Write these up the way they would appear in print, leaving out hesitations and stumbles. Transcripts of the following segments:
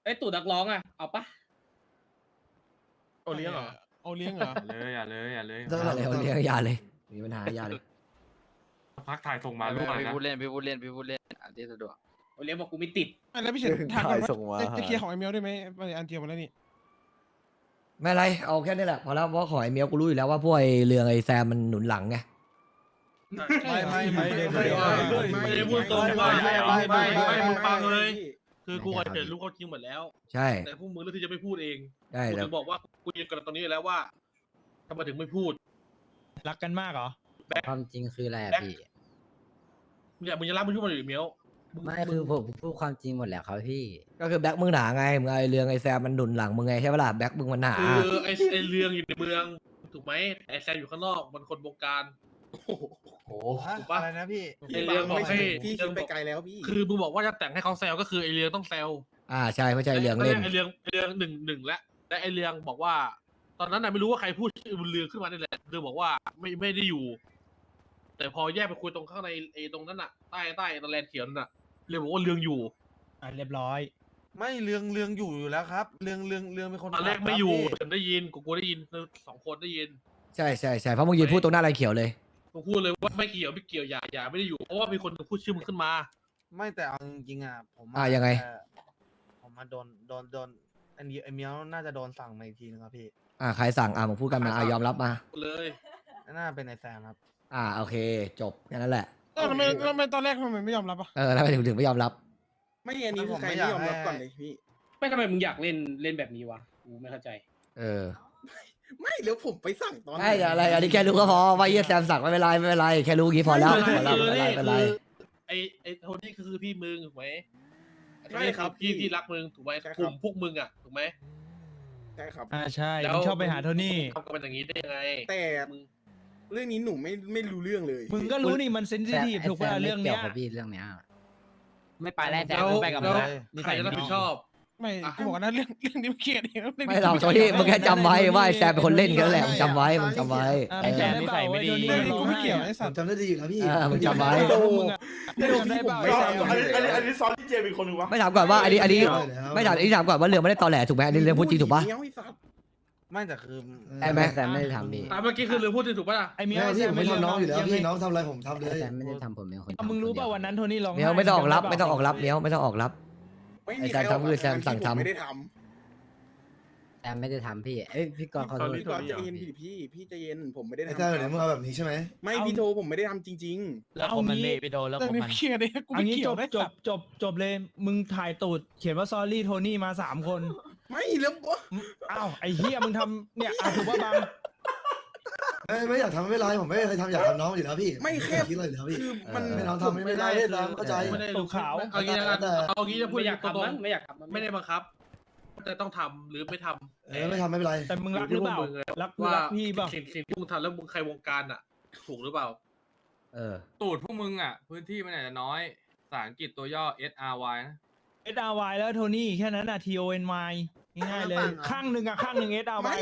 ไอ้ตู่นักร้องอ่ะเอาปะโอเลี้ยงเหรอเอาเลี้ยงเหรออย่าเลยอย่าเลยอย่าเลยมีปัญหาอย่าเลยพักถ่ายส่งมาลูกพี่นะพูดเล่นอันที่สะดวกโอเลี้ยงบอกกูไม่ติดอ่ะแล้วพี่เฉินถามก่อนว่าจะเคลียร์ของไอเมลได้ไหมอันเดียวมาแล้วนี่ไม่ไรเอาแค่นี้แหละพอแล้วเพราะขอไอเมียวกูรู้อยู่แล้วว่าพวกไอเรืองไอแซมมันหนุนหลังไงไม่ได้พูดตรงไม่มึงฟังเลย คือกูกับเฉินรู้เขาจริงหมดแล้วใช่แต่พวกมึงเลือกที่จะไม่พูดเองใช่กูแต่ถึงบอกว่ากูยืนกันตรงนี้แล้วว่าทำไมถึงไม่พูดรักกันมากเหรอความจริงคืออะไรอะพี่เนี่ยมึงจะรับมึงพูดมาอยู่เมียวไม่คือผมพูดความจริงหมดแหละครับพี่ก็คือแบ็คมึงหนาไงมึงไอเรืองไอแซมมันหนุนหลังมึงไงใช่ปะล่ะแบ็คมึงมันหนาคือไอ้เรื่องอยู่ในเมืองถูกไหมไอ้แซมอยู่ข้างนอกมันคนบงการถูกปะอะไรนะพี่ไอ้เรื่องบอกให้พี่คิดไปไกลแล้วพี่คือมึงบอกว่าจะแต่งให้เขาแซวก็คือไอ้เรื่องต้องแซวใช่ไม่ใช่เรืองเล่นไอ้เรื่องหนึ่งและไอ้เรื่องบอกว่า ตอนนั้นน่ะไม่รู้ว่าใครพูดชื่อบุญเรืองขึ้นมานี่แหละเรื่องบอกว่าไม่ได้อยู่ แต่พอแยกไปคุยตรงข้างในไอ้ตรงนั้นน่ะใต้ตะแลนเขียวนั่นน่ะเรื่องบอกว่าเรื่องอยู่เรียบร้อยไม่เรื่องอยู่แล้วครับ เรื่องเป็นคนตอนแรกไม่อยู่ฉันได้ยินกูได้ยินสองคนได้ยินใช่เพราะมึงยืนพูดตรงหน้าไรเขียวเลยกูพูดเลยว่าไม่เกี่ยวอย่าไม่ได้อยู่เพราะว่ามีคนพูดชื่อมึงขึ้นมาไม่แต่เอาจริงๆอ่ะผมยังไงผมมาโดนอันนี้ไอเมียวน่าจะโดนสั่งมาอีกทีนึงครับพี่ใครสั่งมึงพูดกันมายอมรับมาเลยน่าเป็นไอแซมครับโอเคจบแค่นั้นแหละทำไมตอนแรกทำไมไม่ยอมรับอ่ะแล้วไปถึงไม่ยอมรับไม่อันนี้คือใครไม่ยอมรับก่อนเลยพี่ไม่ทำไมมึงอยากเล่นแบบนี้วะกูไม่เข้าใจไม่แล้วผมไปสั่งตอนไม่อะไรอันนี้แค่รู้ก็พอว่าแซมสั่งไม่เป็นไรแค่รู้งี้พอแล้วไม่เป็นไรไอ้โทนี่คือพี่มึงถูกไหมใช่ครับพี่ที่รักมึงถูกไหมกลุ่มพวกมึงอ่ะถูกไหมใช่ครับใช่ผมชอบไปหาโทนี่ทำกันเป็นอย่างนี้ได้ยังไงแต่เรื่องนี้หนูไม่รู้เรื่องเลยมึงก็รู้นี่มันเซนซิทีฟถูกป่ะเรื่องเนี้ยกี่ยวกับพี่เรื่องเนี้ยไม่ไปแล้วแต่แล้วไม่ไปกับมึงละใครจะรับผิดชอบไม่กูบอกนะเรื่องนี้มันเครียดเองไม่หรอกโทนี่มึงแค่จำไว้ว่าแซมเป็นคนเล่นกันแหละมึงจำไว้ไอ้แซมนิสัยไม่ดีเรื่องนี้กูไม่เกี่ยวไอ้สัตว์จำได้ดีอยู่แล้วพี่มึงจำไว้มึงได้เปล่าอันนี้ซ้อนที่เจมีคนนึงวะไม่ถามก่อนว่าอันนี้ไม่ถามถามก่อนว่าเรื่องไม่ได้ตอแหลถูกไหมอันนี้เรื่องพูดจริงถูกปะไม่แต่คือได้ไหมแต่ไม่ได้ทำพี่เมื่อกี้คือเรื่องพูดถูกป่ะไอ้เมียพี่ผมไม่ทำน้องอยู่แล้วพี่น้องทำอะไรผมทำเลยแต่ไม่ได้ทำผมเป็นคนมึงรู้ป่ะวันนั้นโทนี่ร้องเมียวไม่ต้องออกรับไม่ต้องออกรับเมียวไม่ต้องออกรับไม่มีใครไม่ได้ทำแต่ไม่ได้ทำพี่พี่กรณ์ขอโทษพี่ก่อนใจเย็นพี่ใจเย็นผมไม่ได้ทำไอ้เจ้าเดี๋ยวมึงเอาแบบนี้ใช่ไหมไม่พี่โทผมไม่ได้ทำจริงแล้วเอางี้ไปโดนแล้วเรื่องนี้เครียดเลยกูไม่เกี่ยวจบเลยมึงถ่ายตูดเขียนว่าซอรี่โทนี่มา3 คนๆไม่แล้วอ้าวไอ้เฮียมึงทำเนี่ยถูกว่าบางไม่อยากทำไม่เป็นไรผมไม่เคยทำอยากทำน้องอยู่แล้วพี่ไม่แค่คิดเลยแล้วพี่คือมันไม่น้องทำไม่ได้ตามเข้าใจไม่ได้ตูดขาวเอางี้นะเอางี้จะพูดไม่อยากตรทำงมั้งไม่อยากทำมั้งไม่ได้บังคับแต่ต้องทำหรือไม่ทำไม่ทำไม่เป็นไรแต่มึงรักหรือเปล่ารักพี่เปล่าสิ่งที่มึงทำแล้วมึงใครวงการอ่ะ ถูกหรือเปล่าตูดพวกมึงอ่ะพื้นที่มันอาจจะน้อยภาษาอังกฤษตัวย่อ SRY นะ SRY แล้วโทนี่แค่นั้นน่ะ TONY ง่ายๆเลยข้างหนึ่งSRY ข้างหนึ่ง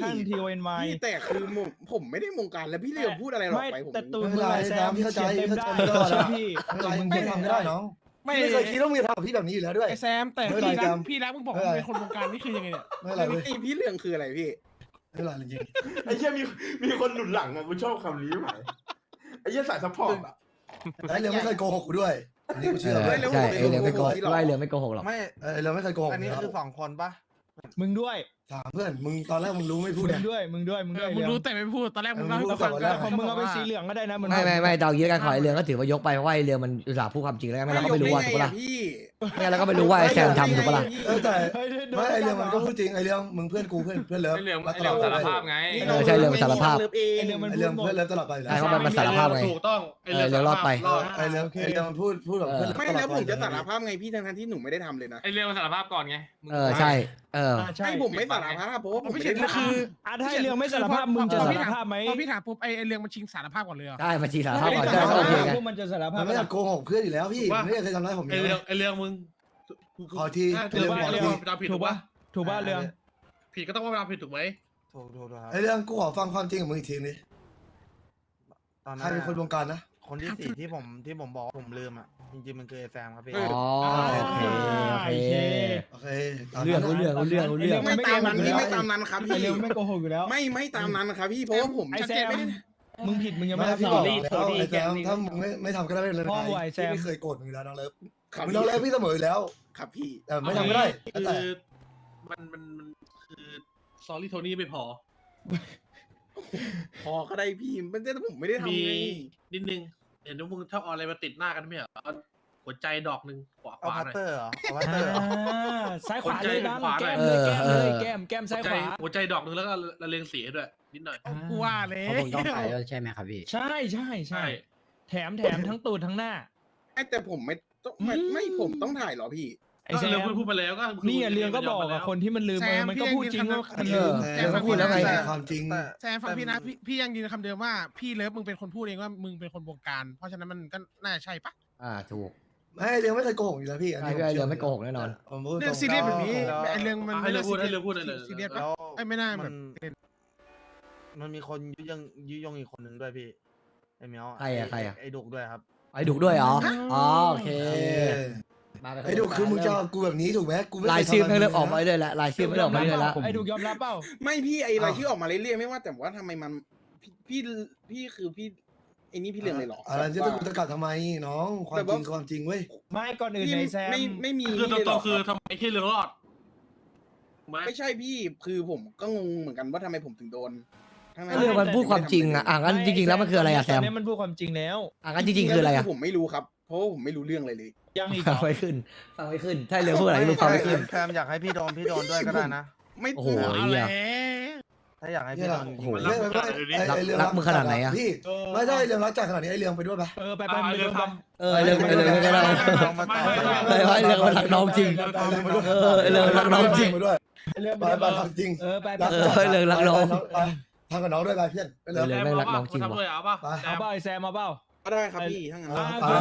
TONY พี่แต่คือผมไม่ได้วงการแล้วพี่เรียกพูดอะไรหรอกไปผมแต่ตูนมึงแซมพี่เข้าใจเต็มได้พี่ไม่ทำไม่ได้น้องไม่เคยคิดว่ามึงจะทำพี่แบบนี้อยู่แล้วด้วยไอแซมแต่พี่รักมึงบอกมึงเป็นคนวงการนี่คือยังไงเนี่ยไม่อะไรพี่เรื่องคืออะไรพี่ไม่อะไรจริงไอ้เหี้ยมีคนหนุนหลังอ่ะกูชอบคำนี้ไหมไอ้เหี้ยสายซัพพอร์ตอ่ะไอ้เรื่องไม่เคยโกหกกูด้วยอันนี้กูเชื่อใช่เรื่องไม่โกหกเรื่องไม่โกหกหรอกไม่เรื่องไม่เคยโกหกอันนี้คือ2 คนปะมึงด้วยถามเพื่อนมึงตอนแรกมึงรู้ไม่พูดมึงด้วยมึงรู้แต่ไม่พูดตอนแรกมึงเล่าให้ฟังของมึงเอาเป็นสีเหลืองก็ได้นะไม่ตอนยืดการขอเรื่องก็ถือว่ายกไปเพราะว่าเรื่องมันอุตส่าห์พูดความจริงแล้วไม่เราก็ไม่รู้ว่าถูกปะล่ะไม่งั้นเราก็ไม่รู้ว่าแซมทำถูกปะล่ะแต่ไม่ไอเรื่องมันก็พูดจริงไอเรื่องมึงเพื่อนกูเพื่อนเลิฟไอ้เรื่องสารภาพไงใช่เรื่องสารภาพไอเรื่องเพื่อนเลิฟตลอดไปใช่เพราะมันสารภาพไงถูกต้องเรื่องรอดไปไอเรื่องมันพูดแบบเพื่อนไม่แล้วผมจะสารภาพไงพี่ทั้งที่หนูไม่ได้ทำเลยนะไอ้เรื่องมันสารภาพก่อนไงใช่ใช่ให้ผมไม่สารภาพเพราะว่าผมไม่ได้ทำคือถ้าเรื่องไม่สารภาพมึงจะสารภาพไหมพอพี่ถามปุ๊บไอเรื่องมันชิงสารภาพก่อนเลยเหรอใช่มาชีสารภาพก่อนใช่โอเคไงพวกมันจะสารภาพมันไม่อยากโกหกเพื่อนอยู่แล้วพี่ไม่เคยทำร้ายผมไอเรื่องมึงขอทีเรื่องผิดถูกป่ะถูกป่ะเรื่องผิดก็ต้องว่าผิดถูกไหมถูกไอเรื่องกูขอฟังความจริงของมึงอีกทีนึงใครเป็นคนวงการนะคนที่สี่ที่ผมบอกว่าผมลืมอ่ะจริงๆมันคือไอ้แซมครับพี่อ๋อโอเคโอเคโอเคเรื่องไม่ตามนั้นพี่ไม่ตามนั้นครับไอเรื่องไม่โกหกอยู่แล้วไม่ตามนั้นครับพี่เพราะว่าผมไอแซมมึงผิดมึงยังไม่ไม่รับพี่สบออกบแล้วไอ้แซมถ้ามึงไม่ทำก็ได้ไม่เป็นไรพ่อไอ้แซมพี่ไม่เคยโกรธมึงอยู่แล้วน้องเลิฟมึงน้องเลิฟพี่เสมออยู่แล้วครับพี่แต่ไม่ทำก็ได้คืแต่อมันคือซอรี่โทนี่ไม่พอพอก็ได้พี่มันแต่ผมไม่ได้ทำมีไงนิดนึงเห็นว่ามึงชอบเอาอะไรมาติดหน้ากันไม่เหรอเอาหัวใจดอกหนึ่งขวาเอาหพัตน่อยเตอร์เหรอเอาพัตเตอร์เหรอซ้ายขวาเลยบ้างขวาหน่แก้อยมเลยแก้มเลยแก้มซ้ายขวาหัวใจดอกหนึ่งแล้วก็ละเลงสีให้ด้วยนิดหน่อยกูว่าเลยเพราะผมต้องถ่ายด้วยใช่ไหมครับพี่ใช่แถมทั้งตูดทั้งหน้าแต่ผมไม่ต้องไม่ผมต้องถ่ายหรอพี่ไอก็แซเรื่องมพูดมาแล้วก็นี่เรื่องก็บอกอะคนที่มันลืมมันก็พูดจริงว่ามันลืมแซมพูดแล้วไงความจริงแซมฟังพี่นะพี่ยังยืนคำเดิมว่าพี่เลิฟมึงเป็นคนพูดเองว่ามึงเป็นคนบงการ เพราะฉะนั้นมันก็น่าใช่ปะถูกไม่เรื่องไม่เคยโกหกอยู่แล้วพี่อันนี้ไอ้เรื่องไม่โกหกแน่นอนผมพูดเรื่องตซีเรียสแบบนี้แล้วไอเรื่องมันให้เรื่องพูดให้เรื่องพูดเลยซีเรียสแล้ปะวไอไม่น่าแบบมันมีคนยุยงอีกคนหนึ่งด้วยพี่ไอเมียวใครอะไอดุกด้วยครับไอ้ดุด้วยเหรออ๋อโอเคไอ้ดูคือมึงจะกูแบบนี้ถูกไหมกูไม่ลายชื่อไม่เริ่มออกมาเลยละลายชื่อไม่เริ่มออกมาเลยละไอดุกยอมรับเปล่าไม่พี่ไอรายชื่อออกมาเรื่อยๆไม่ว่าแต่ว่าทำไมมันพี่คือพี่ไอ้นี่พี่เรื่องเลยหรออะไรจะกูจะกัดทำไมน้องความจริงเว้ยไม่ก่อนอื่นไอแซมไม่มีคือตรงๆคือทำไมแค่เรื่องรอดไหมไม่ใช่พี่คือผมก็งงเหมือนกันว่าทำไมผมถึงโดนเรื่องมันพูดความจริงอ่ะงั้นจริงๆแล้วมันคืออะไรอะแซมตนนี้มันพูดความจริงแล้วงั้นจริงๆคืออะไรอะผมไม่รู้ครับเพราะว่าผมไม่รู้เรื่องอะไรเลยยังอีกฟังไม่ขึ้นถ้าเรื่องพูดอะไรมึงฟังไม่ขึ้นแซมอยากให้พี่โดนด้วยก็ได้นะไม่โอ้โหเอาเหี้ยแล้วถ้าอยากให้พี่โดนโอ้โหรักมึงขนาดไหนอะพี่ไม่ได้เรื่องรักจัดขนาดนี้ไอ้เรื่องไปด้วยปะไปเรื่องทเรื่องก็ได้เรื่องมันรักน้องจริงเรื่องรักน้องจริงไปด้วยเรื่องไปจริงไปเรื่องรักน้องทำกับน้องด้วยไปเพื่อนไปเลยำเรื่องไม่รักน้องจริงทำเลยเอาป่ะเอาเปล่าไอแซมเอาเปล่าก็ได้ครับพี่ทั้งนั้น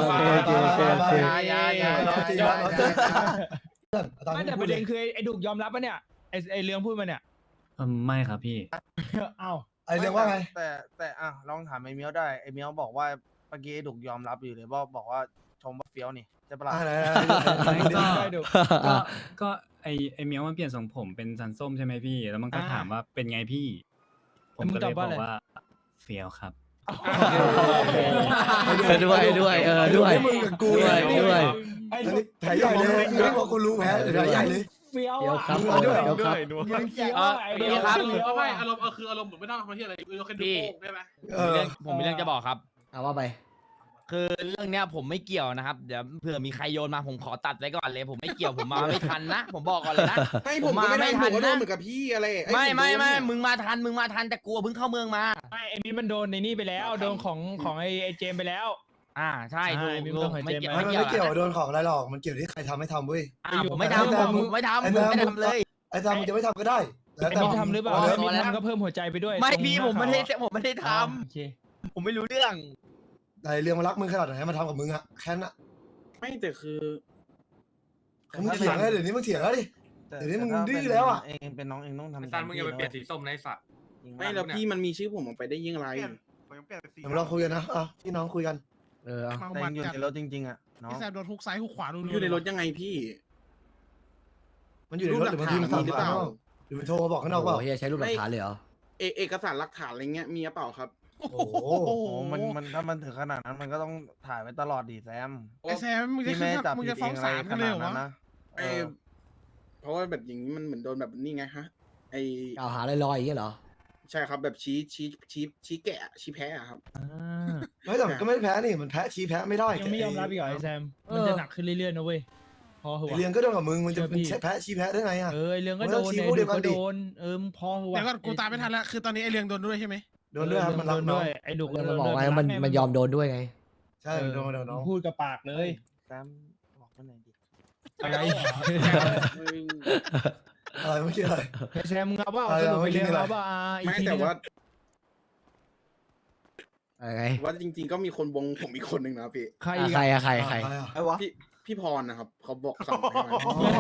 ไม่แต่ประเด็นคือไอดุกยอมรับปะเนี่ยไอเรื่องพูดมาเนี่ยไม่ครับพี่เอ้าไอ้เรื่องว่าไงแต่ลองถามไอเมียวได้ไอเมียวบอกว่าเมื่อกี้ไอดุกยอมรับอยู่เลยบอกว่าชมว่าเฟี้ยวนี่ใช่ปะล่ะก็ไอเมียวมันเปลี่ยนทรงผมเป็นสันส้มใช่ไหมพี่ แล้วมันก็ถามว่าเป็นไงพี่ ผมก็เลยบอกว่าเฟี้ยวครับด้วยมึงกับกูด้วยไอดุกแผลใหญ่เลยไม่พอกูรู้แผลใหญ่เลยเฟี้ยวเดี๋ยวอ่ะครับมึงเฟี้ยวไอเดี๋ดุยวกครับเฟี้ยวไม่อารมณ์คืออารมณ์เหมือนไม่ต้องทำอะไรอะไรเราแค่ดูโป้งได้ไหมผมมีเรื่องจะบอกครับเอาว่าไปคือเรื่องเนี้ยผมไม่เกี่ยวนะครับ เดี๋ยวเผื่อมีใครโยนมาผมขอตัดไว้ก่อนเลย ผมไม่เกี่ยวผมมาไม่ทันนะ ผมบอกก่อนเลยนะให้ผมก็ไม่ทันผมก็โดนเหมือนกับพี่อะไรไม่มึงมาทันแต่กลัวเพิ่งเข้าเมืองมาไม่ไอมิมันโดนในนี่ไปแล้วโดนของไอเจมไปแล้วใช่ถูกมีเรื่องของไม่เจมส์เกี่ยวไหมมันไม่เกี่ยวโดนของอะไรหรอกมันเกี่ยวที่ใครทำให้ทำเว้ยผมไม่ทำผมไม่ทำเลยไอ้ทำมึงจะไม่ทำก็ได้แล้วไอแต่มิทำหรือเปล่าไอมิมันก็เพิ่มหัวใจไปด้วยไม่พี่ผมไม่ได้ทโอเคำผมไม่รู้เรื่องไอ้เรื่องมันรักมึงขนาดไหนมาทำกับมึงอะแค่นั้นไม่แต่คือมึงเถียงแล้วเดี๋ยวนี้มึงเถียงแล้วดิ เดี๋ยวนี้มึงดื้อแล้วอะเองเป็นน้องเองต้องทำซันมึงอย่าไปเปลี่ยนสีส้มในสัตว์ไม่แล้วพี่มันมีชื่อผมออกไปได้ยิ่งไรเดี๋ยวเราคุยกันนะพี่น้องคุยกันแต่ยังอยู่ในรถจริงๆอ่ะน้องพี่แซมโดนทุกซ้ายทุกขวาดูอยู่ในรถยังไงพี่มันอยู่ในรถหรือบางทีมันสั่งหรือเปล่าหรือมันโทรมาบอกข้างนอกเปล่าโอ้โหใช้รูปหลักฐานเลยเหรอเอกสารหลักฐานอะไรเงี้ยมีหรือเปล่าครับโอ้โหโอ้โหมันถ้ามันถึงขนาดนั้นมันก็ต้องถ่ายไว้ตลอดดิแซมไอแซมมึงจะพี่ไม่จับมึงผิจะดฟ้เอองงอะไรศาลขกันเลนาย ดเหรอนั้นวะนะเพราะว่าแบบอย่างนี้มันเหมือนโดนแบบนี่ไงฮะไอกล่าวหาลอยๆอย่างเงี้ยเหรอใช่ครับแบบชี้แกะชี้แพ้อะครับไม่แต่ก็ไม่แพ้นี่มันแพ้ชี้แพ้ไม่ได้ยังไม่ยอมรับอีกเหรอไอแซมมันจะหนักขึ้นเรื่อยๆนะเว้ยพอเหอะเรื่องก็โดนกับมึงมันจะแพ้ชี้แพ้ได้ไงอะไอเรื่องก็โดนไอดุกก็โดนมึงพอเหอะเดี๋ยวก่อนกูตามไม่ทันละคือตอนนี้ไอเรื่องโดนด้วยใช่ไหมโดนด้วยครับมันรักน้องไอดุกมันบอกไงมันยอมโดนด้วยไงใช่โดนน้องพูดกับปากเลยแซมบอกมาหน่อยดิอะไรอะไรไม่ใช่อะไรแซมมึงเอาเปล่าสรุปไปเรียนเอาเปล่าอีกไม่ทีแต่ว่าอะไรว่าจริงๆก็มีคนวงผมอีกคนนึงนะพี่ใครอีกใครใครพี่พี่พรนะครับเขาบอกสั่งให้มา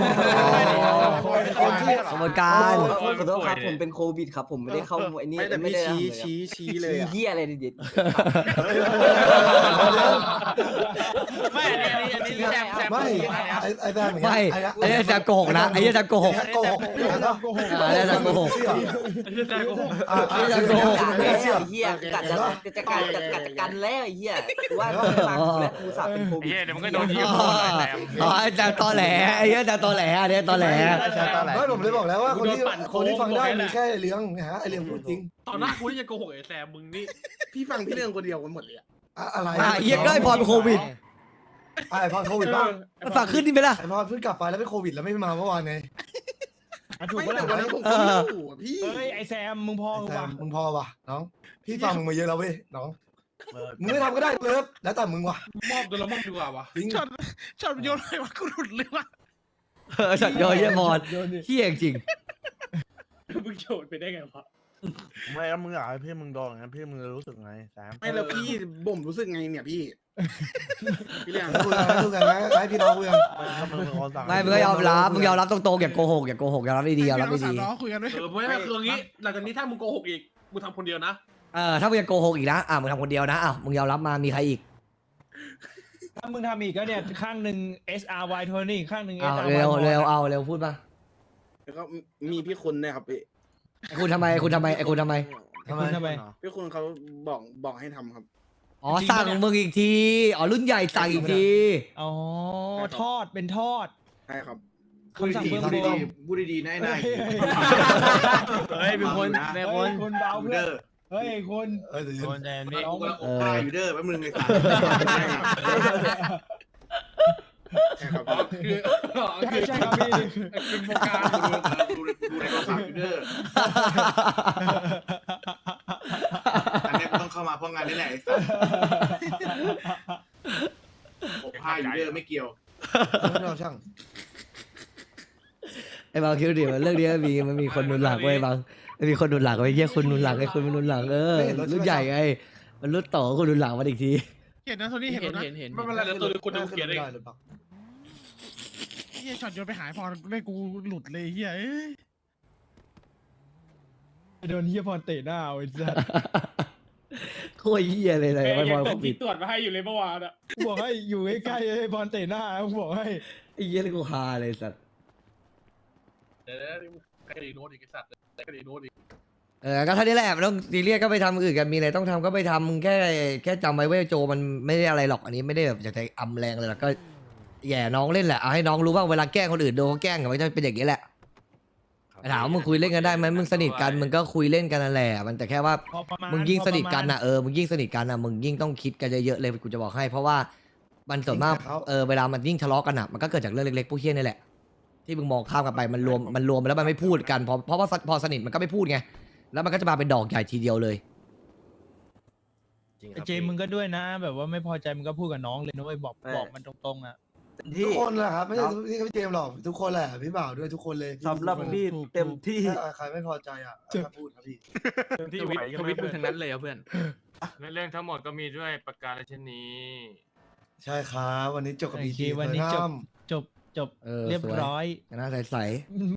คนที่กระบวนการขอโทษครับผมเป็นครับผมไม่ได้เข้าไอ้นี่ไม่แต่พี่ชี้เลยอะเหี้ยอะไรเด็ดไม่อันนี้แซมไม่พูดยังไงนะไอ้แบบเหมือนกันไม่ไอ้เนี่ยจะโกหกนะไอ้เนี่ยจะโกหกโกหกไอ้เนี่ยจะโกหกไอ้จะโกหกไอ้เหี้ยกัดจะกันแล้วไอ้เหี้ยว่าแล้วกูสาเป็นโควิดเฮ้ยเดี๋ยวมันก็โดนยิงโดนอะไรแซมอ๋อไอ้จะตอแหลไอ้เนี่ยจะตอแหลอันนี้ตอแหลไม่ผมเลยบอกแล้วว่าคนที่ฟังได้มีแค่เลี้ยงนะฮะไอเลี้ยงพูดจริงตอนหน้ากูนี่จะโกหกไอ้แซมมึงนี่พี่ฟังพี่เรื่องคนเดียวกันหมดเลยอะอะไรเฮียก็ไอ้พรเป็นโควิดไอพอโควิดบ้างมันฝากขึ้นนี่ไหมล่ะไอพอเพิ่งกลับไปแล้วเป็นโควิดแล้วไม่มาเมื่อวานไงถูกไม่ปะแต่ล่ะวันนั้นผมก็ไม่รู้อะพี่เฮ้ยไอแซมมึงพอแต่ว่ะมึงพอว่ะน้องพี่ฟังมึงมาเยอะแล้วเว้ยน้องมึงไม่ทำก็ได้เลิฟแล้วแต่มึงว่ะมอบโดนละมอบดีกว่าวะจริงช็อตโยนเลยว่ากูหลุดเลยว่ะสัตว์ยอเยี่ยมอนเฮียจริงมึงโฉดไปได้ไงวะไม่แล้วมึงอยากให้พี่มึงโดนงั้นพี่มึงรู้สึกไงแซมไม่แล้วพี่บ่มรู้สึกไงเนี่ยพี่พี่เรื่องคุยกันนะให้พี่น้องคุยกันไม่มึงก็ยอมรับมึงยอมรับตรงๆอย่าโกหกอย่าโกหกยอมรับดีๆยอมรับให้ดีพี่น้องสามล้อคุยกันด้วยไม่คืออย่างงี้หลังจากนี้ถ้ามึงโกหกอีกมึงทำคนเดียวนะถ้ามึงยังโกหกอีกนะมึงทำคนเดียวนะมึงยอมรับมามีใครอีกถ้ามึงทำอีกก็เนี่ยข้างหนึ่ง SRY โทนี่ข้างหนึ่ง SRY เร็วเร็วพูดมาแล้วก็มีพี่คุณด้วยครับพี่ไอ้คุณทำไมไอ้คุณทำไมทำไมพี่คุณเขาบอกให้ทำครับอ๋อสั่งมึงอีกทีรุ่นใหญ่สั่งอีกทีอ๋อทอดเป็นทอดใช่ครับคำสั่งเบื้องบนพูดดีๆนะไอ้นายเฮ้ยเป็นคนเป็นคนเบาเพื่อนเฮ้ยคนเดี๋ยวคนแดนนี่อยู่เด้อแป๊บนึงไอ้สัสใช่ครับคือใช่ครับพี่เป็นโปรการดูในโทรศัพท์อยู่เด้ออันนี้ต้องเข้ามาเพราะงานนี่แหละไอ้สัสผ้าอยู่เด้อไม่เกี่ยวเราช่างไอ้บางคิดดิมันเรื่องนี้มันมีคนหนุนหลังไว้บางมันมีคนหนุนหลังไว้เฮียคนหนุนหลังไอ้คนมันหนุนหลังรุ่นใหญ่ไงมันรุ่นต่อคนหนุนหลังมาอีกทีเห็นนะโทนี่เห็นนะไม่เป็นไรเดี๋ยวตัวกูดูเขียนเองเฮียช็อตโยนไปหายพอเลยกูหลุดเลยเฮียโดนเฮียพรเตะหน้าไอ้สัสโคตรเฮียเลยไม่พอส่งปิที่ดตรวจมาให้อยู่เลยเมื่อวานอะบอกให้อยู่ใกล้ๆไอ้พรเตะหน้าบอกให้ไอ้เฮียเลยกูฮาเลยสัตว์เดี๋ยวใครดีโน้ตอีกไอ้สัตว์ใครดีโน้ตอีกก็เท่านี้แหละไม่ต้องซีเรียสก็ไปทำอื่นกันมีอะไรต้องทำก็ไปทำมึงแค่จำไว้ว่าโจมันไม่ได้อะไรหรอกอันนี้ไม่ได้แบบอยากจะอำแรงเลยหรอกก็แย่น้องเล่นแหละเอาให้น้องรู้ว่าเวลาแกล้งคนอื่นโดนเขาแกล้งมันจะเป็นอย่างนี้แหละถามว่ามึงคุยเล่นกันได้ไหมมึงสนิทกันมึงก็คุยเล่นกันนั่นแหละมันแต่แค่ว่ามึงยิ่งสนิทกันนะมึงยิ่งสนิทกันนะมึงยิ่งต้องคิดกันเยอะๆเลยกูจะบอกให้เพราะว่ามันส่วนมากเวลามันยิ่งทะเลาะกันอ่ะมันก็เกิดจากเรื่องเล็กๆพวกเฮี้ยนี่แหละที่มึงมองข้ามกันไปมันรวมไปแล้วมันไม่พูดกันเพราะว่าพอสนิทมันก็ไม่พูดไงแล้วมันก็จะมาเป็นดอกใหญ่ทีเดียวเลยเจมึงก็ด้วยนะ แบบว่าไม่พอใจมึงก็พูดกับน้องเลยนะเว้ยบอกมันตรงๆอ่ะทุกคนแหละครับไม่ใช่พี่เจมหรอกทุกคนแหละพี่บ่าวด้วยทุกคนเลยสำหรับพี่เต็มที่ใครไม่พอใจพูดครับพี่ที่ไหวทวิตมึงทั้งนั้นเลยเพื่อนเรื่องทั้งหมดก็มีด้วยประการเช่นนี้ใช่ครับวันนี้จบกับพีจีวันนี้จบเรียบร้อยหน้าใส